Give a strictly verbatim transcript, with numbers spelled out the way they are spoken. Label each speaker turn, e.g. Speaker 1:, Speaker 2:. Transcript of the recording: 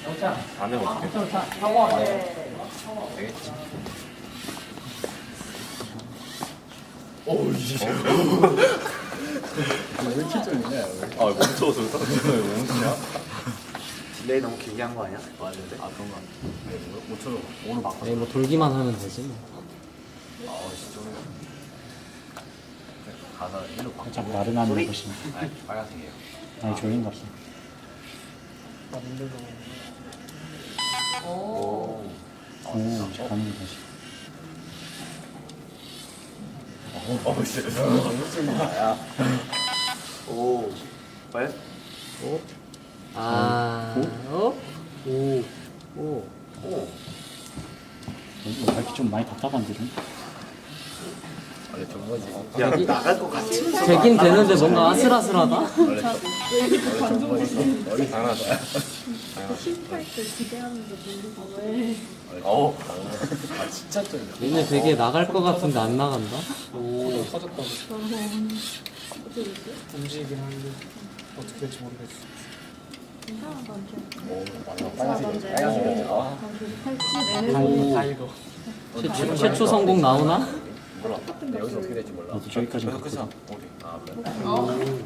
Speaker 1: 안 해면 어떡해? 되겠지.
Speaker 2: 오우 씨. 왜 이렇게 쫄리냐?
Speaker 1: 아 멈춰서 왜 멈추냐?
Speaker 3: 딜레이 너무 길게 한 거 아니야? 맞는데?
Speaker 2: 아 그런가? 네, 못 쳐줘. 오늘 바꿔.
Speaker 4: 네, 뭐 돌기만 하면 되지 뭐.
Speaker 2: 아 진짜. 가사 일로 바꿔.
Speaker 5: 살짝 나른한
Speaker 3: 소리?
Speaker 5: 것이.
Speaker 2: 아니 빨간색이에요.
Speaker 5: 아니 졸린 것이.
Speaker 3: 오.
Speaker 5: 오, 가는 것이.
Speaker 2: 어 씨.
Speaker 3: 오. 왜?
Speaker 4: 오. 아. 어? 오. 오.
Speaker 3: 오.
Speaker 5: 이거 밝기 좀 많이 답답한데 좀.
Speaker 2: 원래 좋은 거지.
Speaker 3: 야, 나갈 것 같지?
Speaker 4: 되긴 되는데 뭔가 아슬아슬하다?
Speaker 2: 원래 좋- 원래 좋은 거지. 너희
Speaker 1: 당연하다.
Speaker 6: 실패할 때 기대하면서 모르고 왜
Speaker 1: 어우.
Speaker 2: 아 진짜 쫄려.
Speaker 4: 얘네 되게 나갈 것 같은데 안 나간다?
Speaker 7: 오, 터졌다고
Speaker 6: 저런 어떻게 됐지?
Speaker 7: 움직이긴 하는데 어떻게 될지 모르겠어.
Speaker 6: 이상한 건지
Speaker 2: 오 맞아. 빨간색. 빨간색이었지. 아
Speaker 6: 팔찌
Speaker 7: 오, 다 읽어.
Speaker 4: 최초, 최초 성공 나오나?
Speaker 2: 몰라. 근데 여기서 어떻게 될지 몰라.
Speaker 5: 나도 저기까지
Speaker 1: 그래서 끝이야.
Speaker 5: 갔거든.
Speaker 1: 어디?
Speaker 2: 아 그래?